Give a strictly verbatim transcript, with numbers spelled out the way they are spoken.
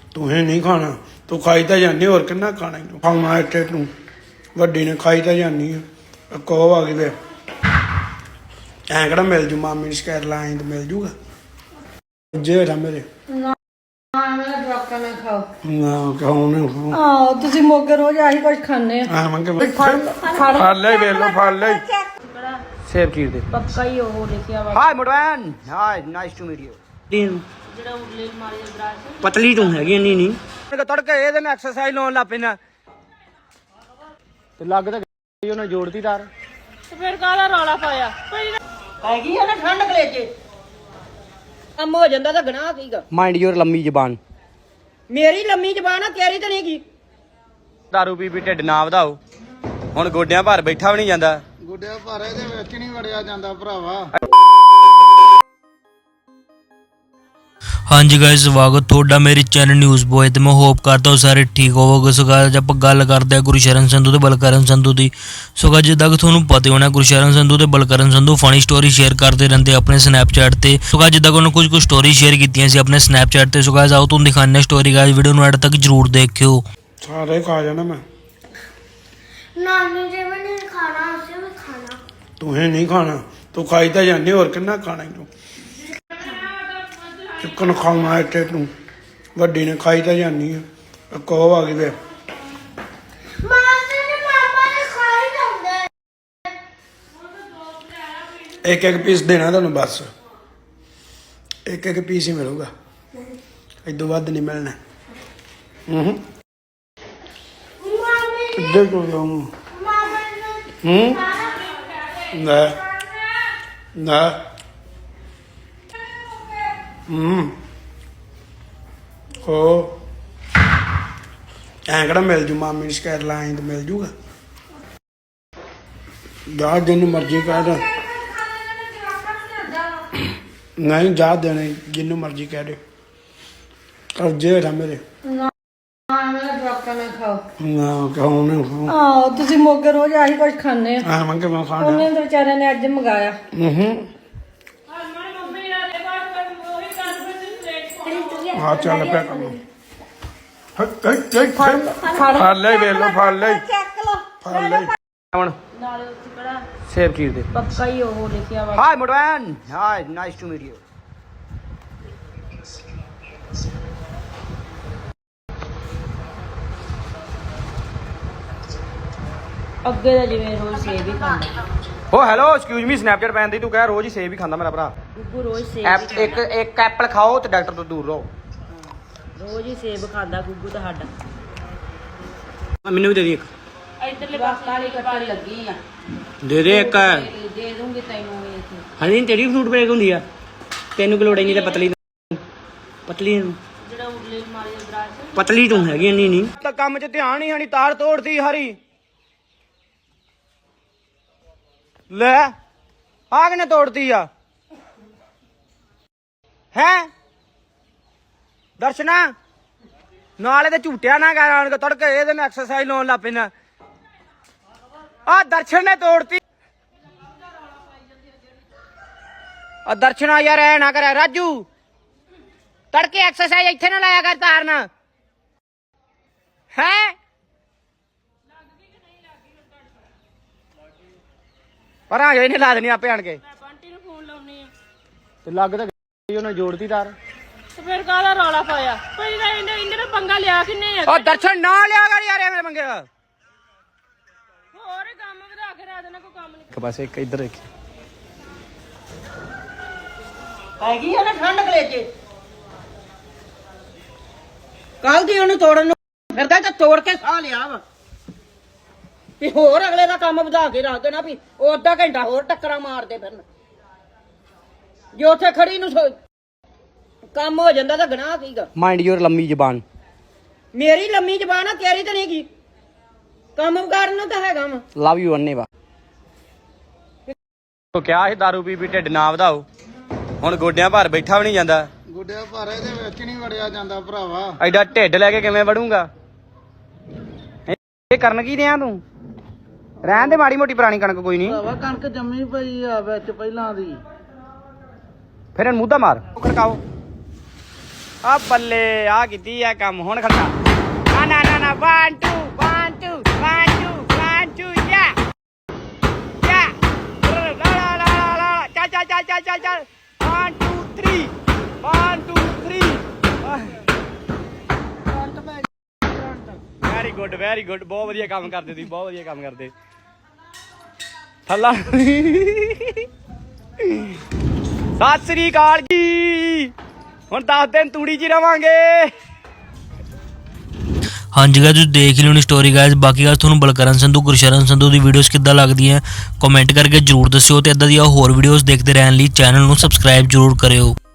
तुहें नहीं खाना तू खाई तो जानी और किन्ना खाना तू खाना इतने तू वड्डी ने खाई तो जानी है कहो आ गई ऐ कड़ा मिल जू मामी शिकायत लाए तो मिल जूगा जे था मेरे ਤੁਸੀਂ ਮੋਗੇ ਰੋਜ਼ ਆਹੀ ਕੁਝ ਖਾਣੇ ਆ ਫੜ ਲੈ ਵੇਖ ਲੋ ਫੜ ਲੈ ਸੇਬ ਚੀਰ ਦੇ ਪੱਕਾ ਹੀ ਉਹ ਲਿਖਿਆ ਵਾ ਹਾਈ ਮੋਟਵੈਨ hi nice to meet you ਜਿਹੜਾ ਉਰਲੇ ਮਾਰੀ ਦਾ ਦਰਾਜ ਪਤਲੀ ਤੂੰ ਹੈਗੀ ਇੰਨੀ ਨਹੀਂ ਤੜਕੇ ਇਹਦੇ ਨਾਲ ਐਕਸਰਸਾਈਜ਼ ਲਾਉਣ ਲੱਗ ਪੈਣਾ ਤੇ ਲੱਗ ਤਾਂ ਗਈ ਉਹਨੇ ਜੋੜਤੀ ਤਾਰ ਤੇ ਫਿਰ ਕਾਹਦਾ ਰੌਲਾ ਪਾਇਆ ਹੈਗੀ ਆ ਨਾ ਠੰਡ ਕਲੇਜੇ ਕੰਮ ਹੋ ਜਾਂਦਾ ਤਾਂ ਗਨਾਹ ਕੀਗਾ ਮਾਈਂਡ ਯੂਰ ਲੰਮੀ ਜ਼ਬਾਨ ਮੇਰੀ ਲੰਮੀ ਜ਼ਬਾਨ ਆ ਤੇਰੀ ਤਾਂ ਨਹੀਂ ਕੀ ਦਾਰੂ ਪੀ ਪੀ ਢਿੱਡ ਨਾ ਵਧਾਓ ਹੁਣ ਗੋਡਿਆਂ ਭਾਰ ਬੈਠਾ ਵੀ ਨਹੀਂ ਜਾਂਦਾ ਗੁੱਡਿਆ ਭਾਰੇ ਦੇ ਵਿੱਚ ਨਹੀਂ ਵੜਿਆ ਜਾਂਦਾ ਭਰਾਵਾ हाँ जी गाइस स्वागत ਤੁਹਾਡਾ ਮੇਰੇ ਚੈਨਲ ਨਿਊਜ਼ ਬੋਏ ਤੇ ਮੈਂ ਹੋਪ ਕਰਦਾ ਹਾਂ ਸਾਰੇ ਠੀਕ ਹੋਵੋਗੇ। ਸੋ ਗਾਇਸ ਆਪਾਂ ਗੱਲ ਕਰਦੇ ਹਾਂ ਗੁਰਸ਼ਰਨ ਸੰਧੂ ਤੇ ਬਲਕਰਨ ਸੰਧੂ ਦੀ। ਸੋ ਗਾਇਸ ਜਿੱਦਾਂ ਕਿ ਤੁਹਾਨੂੰ ਪਤਾ ਹੋਣਾ ਗੁਰਸ਼ਰਨ ਸੰਧੂ ਤੇ Balkaran Sandhu funny story share ਕਰਦੇ ਰਹਿੰਦੇ ਆਪਣੇ ਸਨੈਪਚੈਟ ਤੇ। ਸੋ ਗਾਇਸ ਜਿੱਦਾਂ ਕਿ ਉਹਨਾਂ ਕੁਝ ਕੁ ਸਟੋਰੀ ਸ਼ੇਅਰ ਕੀਤੀਆਂ ਸੀ ਆਪਣੇ ਸਨੈਪਚੈਟ ਤੇ। ਸੋ ਗਾਇਸ ਆਓ ਤੁਹਾਨੂੰ ਦਿਖਾਉਂਦੇ ਹਾਂ ਸਟੋਰੀ ਗਾਇਸ ਵੀਡੀਓ ਨੂੰ ਐਡ ਤੱਕ ਜਰੂਰ ਦੇਖਿਓ। ਸਾਰੇ ਖਾ ਜਾਣਾ ਮੈਂ नानी जी में नहीं खाना उसे भी खाना तुहें नहीं खाना तू खाई तो जानी और किन्ना खाना तू चिकन खाना इतने तू वड्डी ने खाई तो जानी है कहो आ गई ऐ मासी ने पापा ने खाई जाते एक एक पीस देना तेन बस एक एक पीस ही मिलेगा इदों वध नहीं मिलना हम्म मामी किधर को जाऊँ मामा ने हम्म ना ना हम्म हो ऐ कड़ा मिल जू मामी शिकायत लाए तो मिल जूगा जा जिन मर्जी कह नहीं जा देने जिन्नू मर्जी कह दे और जे था मेरे ਮੇਰਾ ਜਵਾਕਾਂ ਨਾਲ ਖਾਓ ना कहूँ नहीं खाऊं ਆਹ ਤੁਸੀਂ ਮੋਗੇ ਰੋਜ਼ ਆਹੀ ਕੁਝ ਖਾਣੇ ਆ हाँ मंगे मैं खाना ਉਹਨੇ ਤਾਂ ਵਿਚਾਰਿਆਂ ਨੇ ਅੱਜ ਮੰਗਾਇਆ हम्म हाँ चल पे कर लो फड़ ले वे लो फड़ ले ਚੱਕ ਲੋ फड़ ले ਹੁਣ ਨਾਲੇ ਉੱਥੇ ਕਿਹੜਾ ਸੇਬ ਚੀਰ ਦੇ ਪੱਕਾ ਹੀ ਉਹ ਲਿਖਿਆ ਵਾ ਹਾਈ ਮੋਟਵੈਨ hi nice to meet you ਅੱਗੇ ਦਾ ਜਿਵੇਂ ਰੋਜ਼ ਸੇਬ ਹੀ ਖਾਂਦਾ ਓ ਹੈਲੋ ਐਕਸਕਿਊਜ਼ ਮੀ ਸਨੈਪਚੈਟ ਪੈਨ ਦੀ ਤੂੰ ਕਹਿ ਰੋਜ਼ ਹੀ ਸੇਬ ਹੀ ਖਾਂਦਾ ਮੇਰਾ ਭਰਾ ਗੁੱਗੂ ਰੋਜ਼ ਸੇਬ ਐਪ ਇੱਕ ਇੱਕ ਐਪਲ ਖਾਓ ਤੇ ਡਾਕਟਰ ਤੋਂ ਦੂਰ ਰਹੋ ਰੋਜ਼ ਹੀ ਸੇਬ ਖਾਂਦਾ ਗੁੱਗੂ ਤਾਂ ਸਾਡਾ ਮੈਨੂੰ ਵੀ ਦੇ ਦੀ ਇੱਕ ਇੱਧਰਲੇ ਪਾਸੇ ਕਾਲੀ ਕੱਟਣ ਲੱਗੀ ਆ ਦੇ ਦੇ ਇੱਕ ਦੇ ਦੂੰਗੀ ਤੈਨੂੰ ਇਹ ਹਣੀ ਤੇਰੀ ਫਰੂਟ ਬ੍ਰੇਕ ਹੁੰਦੀ ਆ ਤੈਨੂੰ ਕਿ ਲੋੜ ਨਹੀਂ ਤੇ ਪਤਲੀ ਪਤਲੀ ਨੂੰ ਜਿਹੜਾ ਉਰਲੇ ਮਾਰੀ ਦਾ ਦਰਾਜ ਪਤਲੀ ਤੂੰ ਹੈਗੀ ਇੰਨੀ ਨਹੀਂ ਤਾਂ ਕੰਮ 'ਚ ਧਿਆਨ ਹੀ ਹਣੀ ਤਾਰ ਤੋੜਦੀ ਹਰੀ ਲੈ ਆ ਕਿਨੇ ਤੋੜਦੀ ਆ ਹੈ ਦਰਸ਼ਨਾ ਨਾਲੇ ਤੇ ਝੂਟਿਆ ਨਾ ਕਰ ਆਣ ਕੇ ਤੜਕੇ ਇਹਦੇ ਨਾਲ ਐਕਸਰਸਾਈਜ਼ ਲਾਉਣ ਲੱਗ ਪੈਣਾ ਆ ਦਰਸ਼ਨ ਨੇ ਤੋੜਤੀ ਆ ਦਰਸ਼ਨਾ ਯਾਰ ਐ ਨਾ ਕਰਿਆ ਰਾਜੂ ਤੜਕੇ ਐਕਸਰਸਾਈਜ਼ ਇੱਥੇ ਨਾ ਲਾਇਆ ਕਰ ਤਾਰਨਾ ਹੈ ਪਰ ਆ ਇਹਨੇ ਲਾ ਦੇਣੀ ਆਪੇ ਆਣ ਕੇ ਮੈਂ ਬੰਟੀ ਨੂੰ ਫੋਨ ਲਾਉਣੀ ਆ ਤੇ ਲੱਗ ਤਾਂ ਗਈ ਉਹਨੇ ਜੋੜਤੀ ਤਾਰ ਤੇ ਫਿਰ ਕਾਹਦਾ ਰੌਲਾ ਪਾਇਆ ਕੋਈ ਨਾ ਇਹਨੇ ਇਹਨੇ ਤਾਂ ਪੰਗਾ ਲਿਆ ਕਿੰਨੇ ਆ ਉਹ ਦਰਸ਼ਨ ਨਾ ਲਿਆ ਕਰ ਯਾਰ ਐਵੇਂ ਮੰਗੇ ਹੋਰ ਕੰਮ ਵਧਾ ਕੇ ਰਾਤ ਨਾਲ ਕੋਈ ਕੰਮ ਨਹੀਂ ਇੱਕ ਪਾਸੇ ਇੱਕ ਇੱਧਰ ਇੱਕ ਹੈਗੀ ਆ ਨਾ ਠੰਡ ਕਲੇਜੇ ਕੱਲ ਦੀ ਉਹਨੂੰ ਤੋੜਨ ਨੂੰ ਫਿਰਦਾ ਤੇ ਤੋੜ ਕੇ ਸਾਹ ਲਿਆ ਵਾ ਵੀ ਹੋਰ ਅਗਲੇ ਦਾ ਕੰਮ ਵਧਾ ਕੇ ਰੱਖ ਦੇਣਾ ਵੀ ਉਹ ਅੱਧਾ ਘੰਟਾ ਹੋਰ ਟੱਕਰਾਂ ਮਾਰਦੇ ਫਿਰਨ ਜੇ ਉੱਥੇ ਖੜੀ ਨੂੰ ਸੋ- ਕੰਮ ਹੋ ਜਾਂਦਾ ਤਾਂ ਗਨਾਹ ਕੀਗਾ ਮਾਈਂਡ ਯੂਰ ਲੰਮੀ ਜ਼ਬਾਨ ਮੇਰੀ ਲੰਮੀ ਜ਼ਬਾਨ ਆ ਤੇਰੀ ਤਾਂ ਨਹੀਂ ਕੀ ਕੰਮ ਕਰਨ ਨੂੰ ਤਾਂ ਹੈਗਾ ਵਾ ਲਵ ਯੂ ਅੰਨੇ ਵਾ ਤੋ ਕਿਹਾ ਸੀ ਦਾਰੂ ਪੀ ਪੀ ਢਿੱਡ ਨਾ ਵਧਾਓ ਹੁਣ ਗੋਡਿਆਂ ਭਾਰ ਬੈਠਾ ਵੀ ਨਹੀਂ ਜਾਂਦਾ ਗੁੱਡਿਆ ਭਾਰੇ ਦੇ ਵਿੱਚ ਨਹੀਂ ਵੜਿਆ ਜਾਂਦਾ ਭਰਾਵਾ ਐਡਾ ਢਿੱਡ ਲੈ ਕੇ ਕਿਵੇਂ ਵੜੂੰਗਾ ਇਹ ਕਰਨ ਕੀ ਦਿਆਂ ਤੂੰ ਰਹਿਣ ਦੇ ਮਾੜੀ ਮੋਟੀ ਪੁਰਾਣੀ ਕਣਕ ਕੋਈ ਨਹੀਂ ਭਰਾਵਾ ਕਣਕ ਜੰਮੀ ਪਈ ਆ ਵਿੱਚ ਪਹਿਲਾਂ ਦੀ ਫਿਰ ਇਹਨੂੰ ਮੂਧਾ ਮਾਰ ਖੜਕਾਓ ਆ ਬੱਲੇ ਆ ਕੀਤੀ ਆ ਕੰਮ ਹੁਣ ਖੜਕਾ ਨਾ ਨਾ ਨਾ ਨਾ one two one two one two one two ਯਾ ਯਾ ਲਾ ਲਾ ਲਾ ਲਾ ਚੱਲ ਚੱਲ ਚੱਲ ਚੱਲ ਚੱਲ ਚੱਲ one two three one two three very good very good ਬਹੁਤ ਵਧੀਆ ਕੰਮ ਕਰਦੇ ਤੁਸੀਂ ਬਹੁਤ ਵਧੀਆ ਕੰਮ ਕਰਦੇ ਥੱਲਾ ਸਤਿ ਸ੍ਰੀ ਅਕਾਲ ਜੀ ਹੁਣ ਦਸ ਦਿਨ ਤੂੜੀ 'ਚ ਰਵਾਂਗੇ ਹਾਂਜੀ ਗਾਇਸ ਤੁਸੀਂ ਦੇਖ ਹੀ ਲਿਓਣੀ ਸਟੋਰੀ ਗਾਇਸ ਬਾਕੀ ਗੱਲ ਤੁਹਾਨੂੰ ਬਲਕਰਨ ਸੰਧੂ ਗੁਰਸ਼ਰਨ ਸੰਧੂ ਦੀ ਵੀਡੀਓਜ਼ ਕਿੱਦਾਂ ਲੱਗਦੀਆਂ ਕਮੈਂਟ ਕਰਕੇ ਜਰੂਰ ਦੱਸਿਓ ਤੇ ਇਦਾਂ ਦੀਆਂ ਹੋਰ ਵੀਡੀਓਜ਼ ਦੇਖਦੇ ਰਹਿਣ ਲਈ ਚੈਨਲ ਨੂੰ ਸਬਸਕ੍ਰਾਈਬ ਜਰੂਰ ਕਰਿਓ।